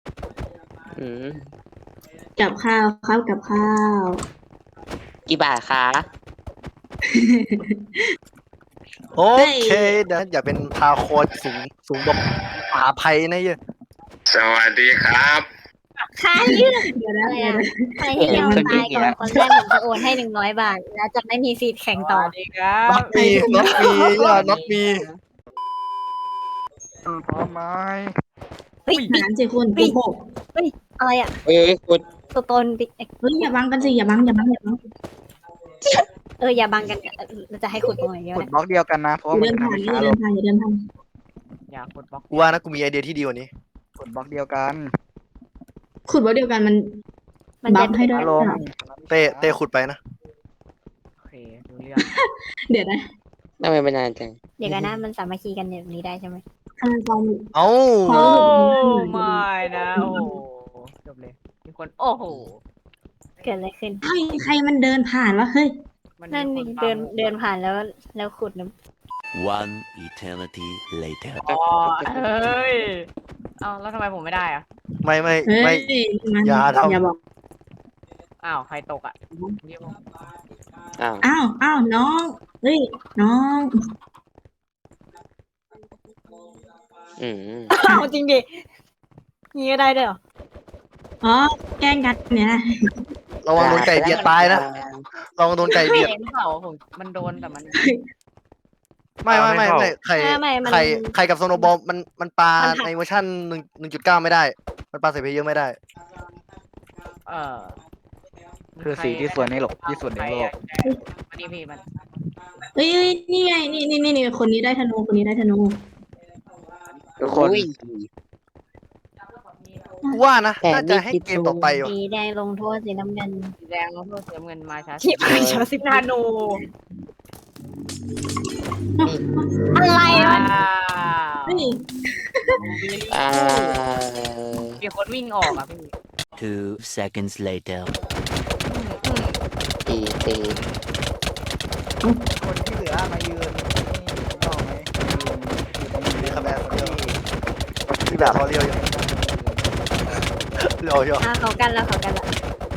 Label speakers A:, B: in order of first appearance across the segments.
A: อืม
B: กับข้าวครับกับข้าว
A: กี่บาทคะ
C: โอ
B: เฮ้ย
C: เคนะอย่าเป็นพาโคนสูงสูงแบบป่าไผ่นะเหี้ย
D: สวัสดีครับ
E: ค่าเรื่อง
B: เดี๋ยวนะ
E: อะไร
B: เดี๋ยว
E: อะ
B: นะ
E: ใครที่ยอมตายก่อนคนแรกผมจะโอนให้100 บาทแล้วจะไม่มีสิทธิ์แข่งต่อ
F: ดีครั
C: น็อบ ตมีน็อตมีอย่าน็อตมีพร้อมไหม
E: เฮ้ย
B: หารสิคุณโกหก
E: อะไรอะ
A: เอ้ยคุณ
E: ตัวตนบิ๊ก
B: เฮ้ยอย่าบังกันสิอย่าบังอย่าบังอย่าบัง
E: อย่าบังกันเราจะให้ขุดตรงไหนเดียว
G: ขุด
E: นะ
G: บล็อกเดียวกันนะเพราะ
B: อ
G: ว่า
B: ย่า
G: มัน
B: เดิน
G: จะทำ
B: ผ่าน
G: ให้
B: อย่า
G: ช้า ลง
B: เดินผ่านอย่าเดินผ่าน
F: อย่าขุดบล็อก
C: กูว่านะกูมีไอเดียที่ดีกว่านี้
G: ขุดบล็อกเดียวกัน
B: ขุดว่าเดียวกันมัน
E: มัน
B: บั
E: จะ
B: ฟให้ด้วย
G: ช้าลง
C: เต้ขุดไปนะ
F: โอเคดูเรื่อง
B: เดี๋ยวนะ
A: ทำไมมันนานจัง
E: เดี๋ยวกันนะมันสามัคคีกันแบบนี้ได้ใช่ไหม
B: ทำไมฟอง
C: เอ้า
B: โอ้
F: โอ้
B: ไม่
F: ไม่นะโอ้โหจบเลยมีคนโอ้โห
E: เกิดอะไรขึ้น
B: เฮ้ยใครมันเดินผ่านวะเฮ้ย
F: มันมี
E: นั่น
F: ค
E: นี่
F: ตาม
E: เดินผ่านแล้วขุดนะ
H: One eternity later.
F: อ๋อเฮ้ยเอ้าแล้วทำไมผมไม่ได้อะ
C: ไม่ไม่
B: เฮ้ย
C: ไม่
B: มัน
C: อย่าทำ
B: อย่าบอก
F: อ้าวใครตกอ่ะเรียกผม
A: อ้าว
B: อ้าวน้องเฮ้ยน้อง
A: อืม
E: อ้าวจริงดิงี้ก็ได้ด้วยเหรอ
B: อ๋อแกล้งกันเนี่ยนะ
C: ระวังโดนไก่เบียดตายนะระวังโดนไก่
F: ไม่
C: เบียด
F: เห็นเปล่าผมมันโดนแต่มัน
C: ไม่ใคร
E: ไม่มัน
C: ใครกับโซโนบอลมันปลา
E: มันหัก
C: ในเวอร์ชัน1.9ไม่ได้ มันปลาใส่เพลเยอร์ไม่ได้
F: เออ
G: คือสีที่สวยในโลกที่สุดในโลก
F: มันนี่พี่มัน
B: เฮ้ยนี่ไงนี่คนนี้ได้ธนูคนนี้ได้ธนู
G: ทุกคน
A: อุ้ย
C: กูว่านะ
A: แต่
C: น่าจะให้
A: นี่
C: เกมต่อไปว่ะ
E: สีแดงลงโทษสีน้ำเงิน
F: สีแดงแล้วเพื่อเสียเงินมาช้า
E: ที่ไม่ชอบสิบ
F: นาโน
E: อะไรวะ
B: เฮ้ย
A: อ่า
F: มีคนวิ่งออกอ่ะพี่
H: 2 seconds later.
A: ตีตี
G: คนที่เหลือมายืนนี่ถูกต้องไหมยืนอยู่ตรงนี้
C: มีคะแนนคนเดียว
G: ที่แบบ
C: ทอเรียวยังเรียวยัง
E: เขากันแล้วเขากันแล้ว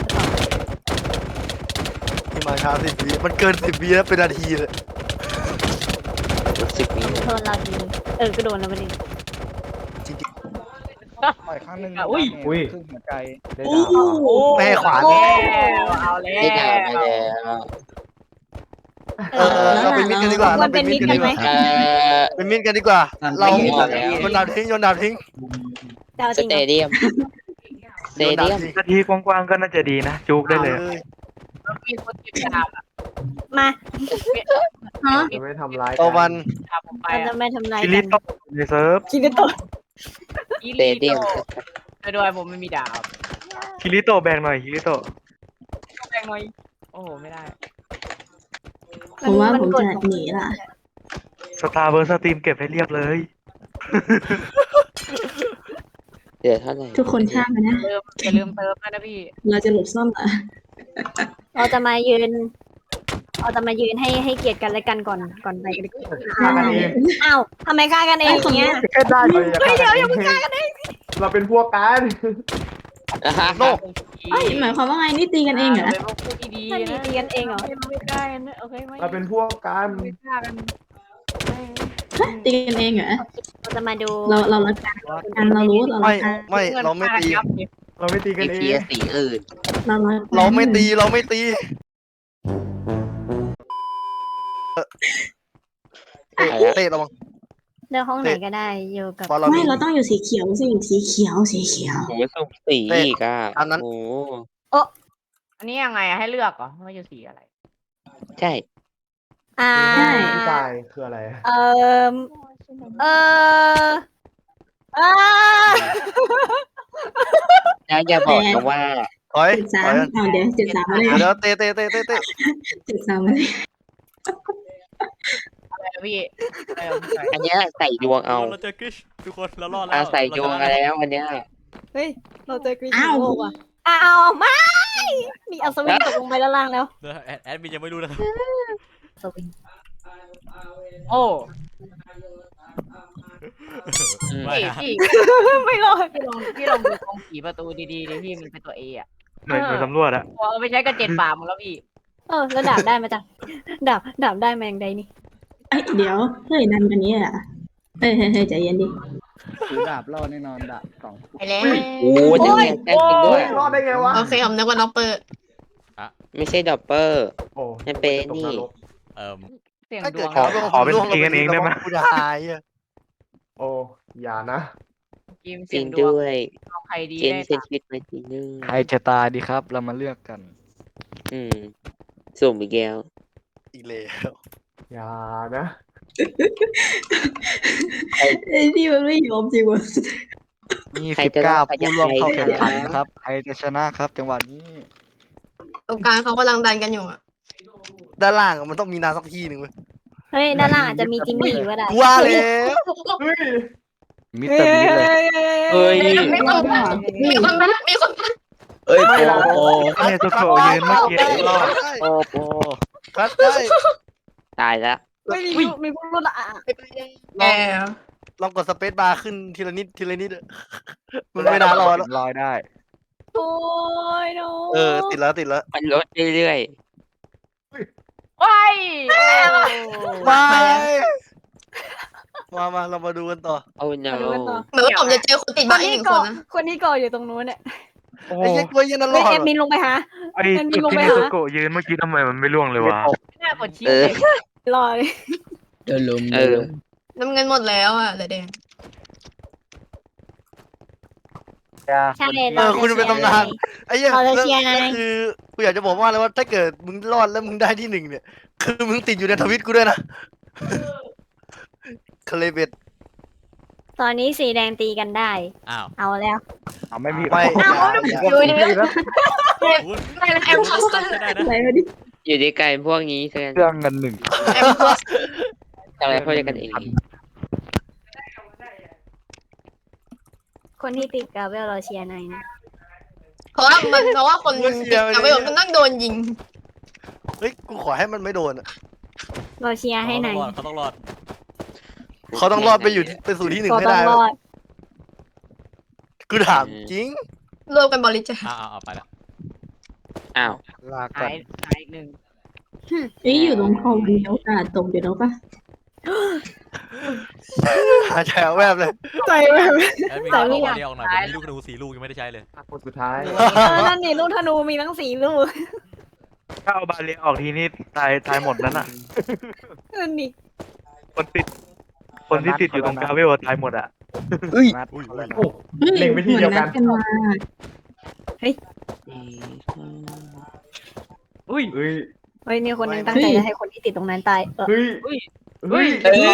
C: ที่มาช้า10 วิมันเกิน10 วิแล้วเป็นนาทีเลย
A: 10 วิ
E: โดนเราทีก็โดนแล้วประเด็น
C: จริง
G: ปล่อยข้างหนึง
F: อุ้ย
G: ครึ่งหัวใจ
B: โอ้โห
C: ๆไม่ให้ขวาน
F: เอาแล้ว
A: ได้ด่ามาแล้ว
C: เราเป็นมิตรกันดีกว่า
E: ควรเป็นมิตรกันไหม
C: เป็นมิตรกันดีกว่า เรา
A: ไม่เห็นแล้ว
C: โยนดาบทิ้งโยนดาบทิ้ง
E: จะเอา
A: ส
E: จริง
A: เต
E: เหรอ
A: เดียมสเต
C: โยนดา
A: เดี
C: บ
A: ยม
C: ทิ้ง
I: นาทีกว้างๆก็น่าจะดีนะ จุกได้เลย
F: มีคนติดดาบ
E: มา
B: ฮะ
I: จะไม่ทำร้าย
C: ต่อวัน
F: ดาบผมไป
E: เราจะไม่ทำลาย
I: คิ
E: กั
I: ริ
E: น
I: โตะในเซิร์ฟ
E: คิดตัว
A: สเตเดียม
F: โดยผมไม่มีดาบ
I: คิริโตะแบ่งหน่อยคิริโตะ
F: แรงหน่อยโอ้โหไม่ได้
B: ผมว่าผมจะหนีละ
I: สตาร์เบอร์สตรีมเก็บให้เรียบเลย
A: เดี๋ยวเท่าไหร่
B: ทุกคนข้ามไปนะ
F: อย่าลืมเติมนะพี่
B: เราจะหลบซ่อนเหรอ
E: เราจะมายืนให้เกียรติกันและกันก่อนไปกัน
I: ฆ่ากันเอง
E: อ้าวทำไมฆ่ากันเองอย่างเงี้ย
I: แค่ได้เลย
E: เฮ้ยเดี๋ยวอย่าเพิ่งฆ่ากันเอง
I: เราเป็นพวกกัน
C: โลก
B: เอ้ยหมายความว่าไงนี่ตีกันเองเหรอ
F: เป็นพวกพูดดี
E: นั่น
F: ๆ
E: ดี
F: นะ
E: ตีกันเองเหรอ
F: ไม่ได้นะโอเคไหม
I: เราเป็นพวกกัน
F: ไม่ฆ่ากัน
B: ตีกันเองเหรอ
E: เราจะมาดู
B: เรารักกันเรารู้เรารั
C: ไม่
B: กกัน
C: ไม่เราไม่ตี
I: เราไม่ตีกัน
A: มี
I: เอ
A: เพีย
I: ง
A: สีอื่น
B: เรารักกัน
C: เราไม่ตีเราไม่ตีเต้ระวัง
E: เลือกห้องไหนก็ได้อยู่กับ
C: พอเรา
B: ไม่
C: มี
B: เราต้องอยู่สีเขียวสิสีเขียวสีเขียว
A: โอ้ยสุ่มสีอีกอ่ะ
C: อันนั้น
A: โอ้
F: อันนี้ยังไงให้เลือกเหรอว่าจะสีอะไร
A: ใช่
E: อ่า
I: ผู้ชายคืออะไร
E: เอ่อเอ่ออ่า
A: อย่าบอกนะว่า
C: ถอย
B: 73
C: ถอย
B: เอาเดี๋ยว73มาเลย
C: เดี๋ยวเต้
B: 73มาเลย
F: อะไรนะพี่อะไรนะพี่
A: อันเนี้ยใส่ดวงเอา
J: เราเจอกริชทุกคนเรารอดแล้ว
A: ใส่ดวงมาแล้วอันเนี้ย
E: เฮ้ยเราเจอกรีน
B: อ้าว
E: โลกว่ะอ้าวไม่มีอัศวินตกลงไปด้านล่างแล้ว
J: เดี๋ยวแอดมินยังไม่รู้นะครับ
E: อัศวิน
F: โอ้
J: ไม่
F: พี่
J: นะ
F: พี่ไม่รอดพี่ลองดูตรงผีประตูดีๆดิพี่มันเป็นตัวเออะ
G: หน่วยสำรวจอะ
F: พอเอาไปใช้กระเจ็ดป่าหมดแล้วพี่
E: แล้วดาบได้มาจากดาบได้มาอย่างใดนี่
B: เอ้ยเดี๋ยวเฮ้ยนั่นกันนี้อ่ะเฮ้ยใจเย็นดิ
G: ถือดาบรอดแน่นอนดาบสอง
K: ไปแล้ว
A: โอ้ยนั่นไงได้จริงด้วย
I: รอดได้ไงวะ
K: โอเคผมนึกว่าน้องเปิด
A: ไม่ใช่ดอปเปอร์
I: โอ้
A: นั่นเป็นนี่
J: เอ่อ
F: เสียง
C: ถ้า
F: ด
C: เกิ
F: ว
C: ด
F: ง
C: ขอเป็นตีกันเองได้ไหมกูจะหายอ่ะ
I: โอ้อย่านะ
F: กิม
A: จ
F: เสี
A: ริ
F: ย
A: ง
F: งดวง
A: ด้วย
F: เอาใครดี
A: เจน
F: ได้
A: เซนชีวิตมาทีนึง
G: ใครจะตายดีครับ เรามาเลือกกัน
A: สุ่มอีกแล้ว
C: อีกแล้ว
I: อย่านะ
B: ไอ้นี่มันไม่ยอมจริงวะ
G: มี
A: ใคร
G: สิบ
A: จะ
G: เก้าร
A: อดใครจะ
G: ผู้ร่วมเข้า
A: ไป
G: แข่งขันครับ ใครจะชนะครับ จังหวะนี้
K: ตรงกลางเขากำลังดันกันอยู่อะ
C: ด้านล่างอะมันต้องมีน้ำสักที่หนึ่งเว้ย
E: เฮ้ยด้านล่างอาจจะมีจิมมี่อยู่ก็ได้
C: กูว่าแล้ว
I: เฮ้ย
G: มิสเตอร์บีเลย
A: เฮ้ย
K: มีคนมามีคนมามีคนมา
A: เอ้ยโอ้
G: เนี่ยโจโฉยืนเมื่อกี้รอด
A: โอ้โห
C: คัดได้
A: ตายแล้ว
E: ไม่มีผู้รอดอ่ะ
K: แอบ
C: ลองกดสเปซบาร์ขึ้นทีละนิดทีละนิดอะมันไม่น่ารอดแล้ว
G: ลอยได้
E: โอ้ยโน
C: ติดแล้วติดแล้ว
A: มันลดเรื่อย
F: ว้าย
C: มาเรามาดูกันต่อ
A: ๆ โอ้ no
E: มาดูกันต่อ
K: เหมือนว่าผมจะเจอคนติด
E: ค
K: บ้าน นอีก
E: นี้
K: หนึ่ง
E: เกาะ
K: คนนะ
E: คนนี้เกาะอยู่ตรงนู้นเนี่ย
G: โอ้
C: ไอ้เช็คตัวยันนั่นร
E: เฮ้ย
C: อด
E: แอดมินลงไปหา
G: ไอ้
E: แอดมิ
G: จุ
E: น
G: ด
E: ลง
G: ที่
E: ไป
G: มี
E: หา
G: โจโฉยืนเมื่อกี้ทำไมมันไม่ล่วงเลยวะ
F: น่ากดชิป
A: เออ
F: เลย
E: รอเลย
A: เออ
K: น้ำเงินหมดแล้วอ่ะเหลือแดง
E: ใช่
C: คุณเป็นตำนานไอ้เหี้ย
E: เราจะ
C: แล้ว
E: เชียร์ไง
C: แล้วคือกูอยากจะบอกว่าเลยว่าถ้าเกิดมึงรอดแล้วมึงได้ที่หนึ่งเนี่ยคือมึงติดอยู่ในทวิตกูด้วยนะคเลเบต
E: ตอนนี้สีแดงตีกันได้
J: อ้าว
E: เอาแล้ว
G: ไม่มี
C: ไม่
K: ดูดิ
J: คุณ
K: ไม่นะแอมพอสเตอร์
J: ใช่ได้นะ
B: อะไรวะดิ
A: อยู่ด้วยกันพวกนี้เพื่อน
G: เครื่องกันหนึ่ง
K: แอมพอส
A: ทำอะไรพวกเดียวกันเอง
E: คนที่ติดกาเวลเราเชียร์นายนะ
K: เพราะว่าคนติดกับไปผมมันต้องโดนยิง
C: เฮ้ยกูขอให้มันไม่โดนอะ
E: เราเชียร์ให้นาย
J: เขาต้องรอด
C: เขาต้องรอดไปอยู่ไปสู่ที่หนึ่ง
E: ก็
C: ให้
E: ต้อง
C: ได้
E: รอด
C: กูถามจริง
K: รวมกันบริจาค
J: เอาไปละ
A: อ้าว
C: ลาก่อ
F: หาน ยอีกหนึ่ง
B: เอ้ยอยู่ตรงคอมมีโอกาสตกอยู่แล้วปะ
C: หาแฉวแวบเลย
E: ใจแบบ
J: แล้วมีเอาบอลเดียวออกหน่อยผมมีลูกธนู4 ลูกยังไม่ได้ใช้เลย
I: คนสุดท้าย
E: นั่นนี่ลูกธนูมีทั้งสี่ลูก
G: ถ้าเอาบาเลียออกทีนี้ตายหมดนั้นอ่ะ
E: นั่นนี่
G: คนที่ติดอยู่ตรงกาเวลตายหมดอ่ะ
J: อุ้ย
I: โอ้เล็งไปที่เดียวกัน
B: หมือดมา
G: อุ้ย
I: เฮ้ย
E: เฮ้ยมีคนหนึงตั้งใจจะให้คนที่ติดตรงนั้นตาย
I: เฮ้ย
F: อุ้ย
I: เฮ้ย
A: เอ้ย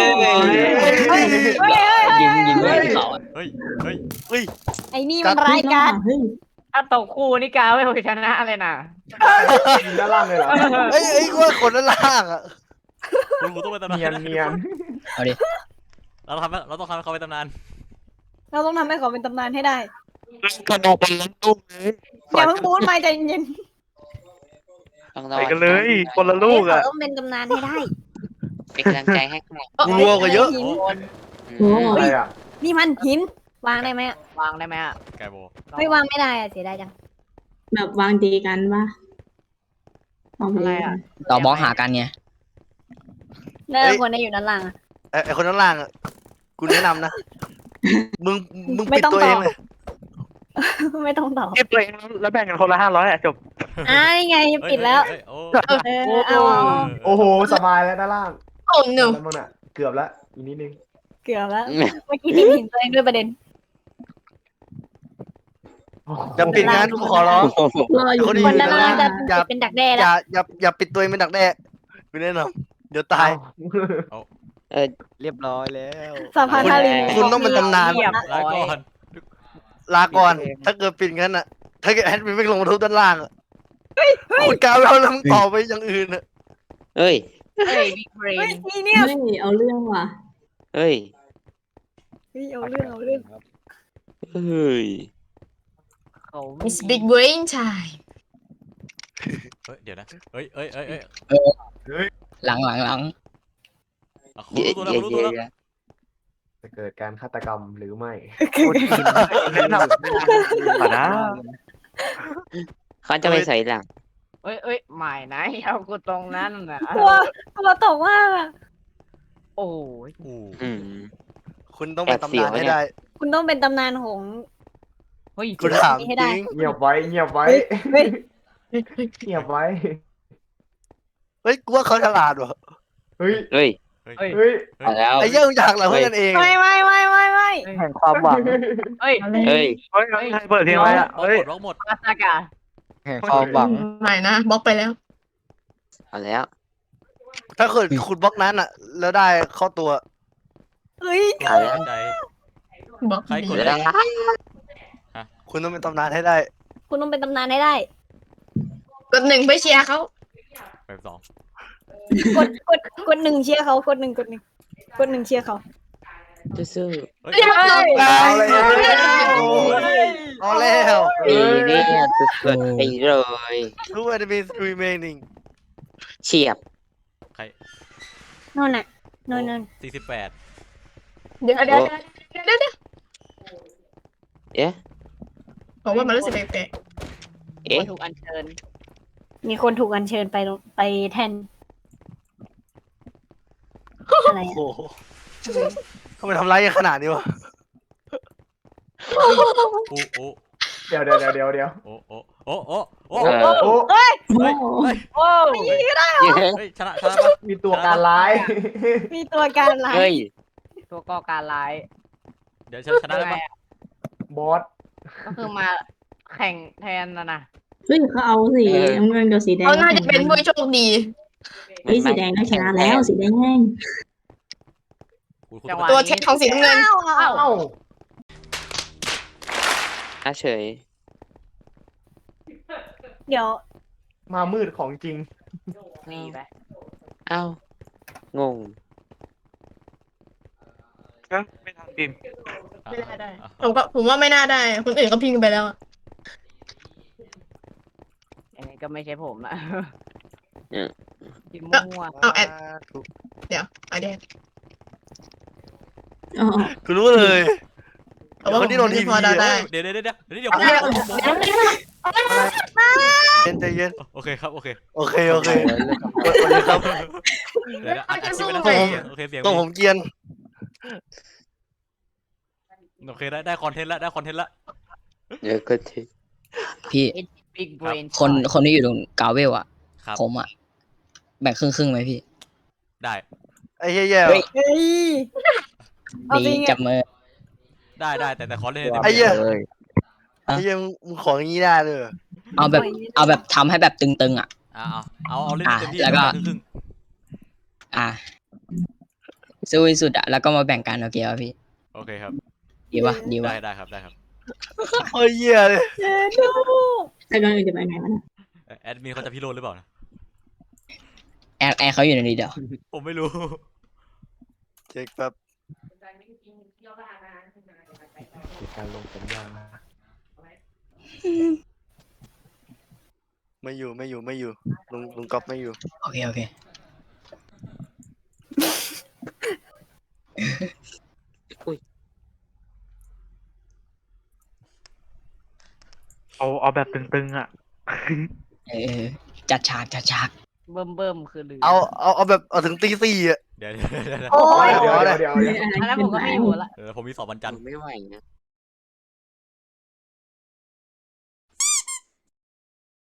E: ยิงด้วยเขา
J: เฮ้ย
E: ไอ้นี่มันร้ายกาจ
B: เฮ้ย
F: ถ้าตกคู่นี่กาไม่ชนะเลยนะ
I: ยิงด้านล่างเลยเหรอ
C: เอ้ยกูว่าคนด้านล่างอ่ะ
J: คุณต้องเป็นตำนาน
I: เนียนเนียน
J: เราต้องทำให้เขาเป็นตำนาน
E: เราต้องทำให้เขาเป็นตำนานให้ได้
C: กระโดดเป็นล้มตุ้มเลย
E: อย่าเพิ่งพูดมาใจเย็น
A: ต้องรอ
G: ไปกันเลย คนละ
E: ๆ
G: ลูก
E: เขา
G: อ่ะ
E: ต้องเป็นตำนานให้ได้
A: เป็นกำลังใจให้ค่ะ
C: กูรัวกว่าเยอะ
E: หิน
B: โอ้
I: อะไรอ่ะ
E: นี่มันหินวางได้ไหมอะ
F: วางได้ไหมอ่ะ
J: ไกโบ
E: ไม่วางไม่ได้อะเสียดายจัง
B: แบบวางดีกันปะวางไป
F: อะไร
B: เลย
F: อ่ะ
L: ต่อบล็อกหากันไง
E: แล้วคนที่อยู่ด้านล่างอะ
C: ไอ้คนด้านล่างอ่ะกูแนะนำนะมึง
E: ไม่
C: ปิด
E: ต้อง
C: ตัวเอง
E: ตอบ
C: เลย
E: ไม่ต้องตอบ
G: เก็บตัวเองแล้วแบ่งกันคนละ500อ่ะจบ
E: นี่ไงปิดแล้ว
J: โอ้
E: เอา
I: โอ้โหสบายแล้วด้านล่าง
K: โอ้หนู
I: ด้านบนอ่ะเกือบแล้วอีกนิดนึง
E: เกือบแล้วเมื่อกี้ติดหินตัวเองด้วยประเด็น
C: อย่าปิดงานกูขอร้อง
B: รออยู่
C: เขาดี
E: คนด้านล่างจะ
C: อย่า
E: เป็นดักแด้
C: อ
E: แล้ว
C: ย่าปิดตัวเองเป็นดักแด้กูแนะนำเดี๋ยวตาย
G: เรียบร้อยแล้ว
E: สะพานทาริน
C: คุณต้องเป็นตำนาน
F: เรียบ
J: ลา
F: ร้อย
J: ก่อน
C: ลาก่อน ถ้าเกิดปิดงั้นอ่ะ ถ้าเกิดแอดมินไม่ลงมาทุบด้านล่างอ่ะคุณกาวแล้วมึงต่อไปอย่างอื่นอ่ะ
A: เฮ้ย
F: เฮ้ยบิ๊กเบร
E: เฮ้ย
F: น
E: นี่เนี่ย
B: เฮ้ยเอาเรื่องว่ะ
A: เฮ้ย
E: เอาเรื่อง
A: เฮ้ย
K: มิสบิ๊กเบรนชาย
J: เดี๋ยวนะเฮ้ย
L: หลัง
J: คุณรู้ตัวแล้ว
I: จะเกิดการฆาตกรรมหรือไม่
A: เขาจะไปใส่หลัง
F: เอ้ยหมายนะเอากูตรงนั้นน่ะ
E: กลัวตกมากอะ
F: โอ้ย
J: โอ้
A: อืม
C: คุณต้องเป็นตำนานให้ได้
E: คุณต้องเป็นตำนานของ
F: เฮ้ย
C: คุณถาม
E: ให้
C: จ
E: ได้
C: ริง
I: เงียบไว้เงียบไว้
E: เฮ้ย
I: เงียบไว้
C: เฮ้ยกูว่าเขาฉลาดว่ะ
I: เฮ้ย
A: เฮ้ย
F: เฮ้ย
I: เฮ้ย
A: เอาแล้ว
C: ไอ้เหี้ยมึงอยากเหรอเพื่อนกันเอง
E: ไม่
G: แห่งความหวัง
F: เฮ้ย
A: เฮ้ย
G: เฮ้ยใครเปิดเพลงไว้อะ
J: เอา
G: เฮ้ย
J: หมดเอาหมด
F: มาสกา
G: แห่งความหวัง
K: ไม่นะบล็อกไปแล้ว
A: เอาแล้ว
C: ถ้าเกิดคุณบล็อกนั้นอ่ะ แล้วได้เข้าตัว
E: เฮ้ย
A: เอาแล้ว
J: ใจ
K: บล็อก
J: ใครกด
A: เอาแล้ว
C: คุณต้องเป็นตำนานให้ได้
E: คุณต้องเป็นตำนานให้ได้
K: กดหนึ่งไปเชียร์เขา
J: แบบสอง
E: กดหนึ่งเชียร์เขากดหนึ่งเชียร์เขา
A: สู้
J: เฮ้ย
K: เรียบร้อย
C: เอาแล้วเอาแล้ว
A: ๆปีนี้สุดๆไปเลย
C: Two enemies remaining
A: เฉียบ
J: ใคร
E: นั่นน่ะนั่น
J: 48
K: เดี๋ยว
A: เอ๊ะ
K: ผมว่ามันรู้สึกแปลก
A: เอ๊ะ
F: ถูกอัญเชิญ
E: มีคนถูกอัญเชิญไปแทนอะไร
C: โอ้
E: อะ
C: โหทำไมทำร้ายกันขนาดนี้วะ
J: โอ้โอ้
I: เดี๋ยว
J: โอ้โอ้โอ้โอ้โอ้
I: โอ้
J: เฮ้ย
F: โอ้
J: เฮ้ยชนะปะ
I: มีตัวการร้าย
E: มีตัวการร้าย
A: เฮ้ย
F: ตัวก่อการร้าย
J: เดี๋ยวชนะได้ปะ
I: บอส
F: ก็คือมาแข่งแทนนะ
B: เฮ้ยเขาเอาสีน้ำเงินกับสีแด
K: ๆ
B: ง
K: เขาน่าจะเป็นผู้โชคดี
B: เฮ้ยสีแดงน่าชนะแล้วสีแดง
F: จังหวะ
K: ตัวเช็คของสีน้ำเงิน
I: เอ้า
A: น่าเฉย
E: เดี๋ยว
I: มามืดของจริง
F: นี่ไป
A: เอ้า งง
G: ไม่ทำดิม
K: ไม่น่าได้ ผมว่าไม่น่าได้ คนอื่นก็พิงไปแล้วอะ
F: อันนี้ก็ไม่ใช่ผมละ
A: เออ
F: กินมั่ว
K: เอาแอดเดี๋ยวเอาแดง
B: อ๋อ
C: กูรู้เลย
K: แต่ว่า
C: คนที่โดนที
K: พ
C: วี
K: อเดาได้
J: เดี๋ยว
K: เอา
J: ผม
K: แดง
C: เย็นใจเย็น
J: โอเคครับโอเค
C: โอเคโอเคโอเคครับ
J: เดี๋ยวอัดคลิปไปนะโอเคเสียง
C: ต้องผมเกรียน
J: โอเคได้คอนเทนต์แล้วได้คอนเทนต์แล้ว
A: เดี๋ยวก็ที
L: พี่
F: บิ๊กเบรน
L: คนที่อยู่ตรงกาเวลอะ
J: ครับ
L: ผมอะแบ่งครึ่งไหมพี่
J: ได้
C: ไอ้เหี้ยแย่
L: เฮ้ย
E: เฮ้ย เอาจริ
L: ดี
E: งอะ
L: จับมือ
J: ได้แต่ขอเล่น
C: ไอ้เหี้ย
L: เลย
C: ไอ้เหี้ยมึงของอย่างนี้ได้เลยเหรอ
L: เอาแบบทำให้แบบตึงๆอะ
J: เอาเล่นเต็มที่
L: แล้วก็
J: ครึ่ง
L: อ่ะสู้ที่สุดอะแล้วก็มาแบ่งกันโอเคป่ะพี่
J: โอเคครับ
L: ดีวะดีวะ
J: ได้ครับ
C: โอ้ยเหี้ยเลย
B: แต่ก่อนอื่นจะไปไหนวะเนี่ย
J: แอดมินเขาจะพิโรธหรือเปล่านะ
L: แอร์เขาอยู่ในนี้เดี๋ยว
J: ผมไม่รู้
C: เช็คแป๊บ
I: มีการลงสัญญาณ
C: ไม่อยู่ลุงก๊อฟไม่อยู่
L: โอเค
G: เอาแบบตึงๆอ่ะ
L: เออจัดฉาก
F: เบิ่มคือลืม
C: เอาแบบเอาถึงตีสี่อ่ะ
J: เดี๋ยว
E: โอ้ย
I: เดี๋ยว
F: อันนั้นผมก็ไม่อยู่ละ
J: ผมมีสอบวันจันทร์
A: ไม่ไหวนะ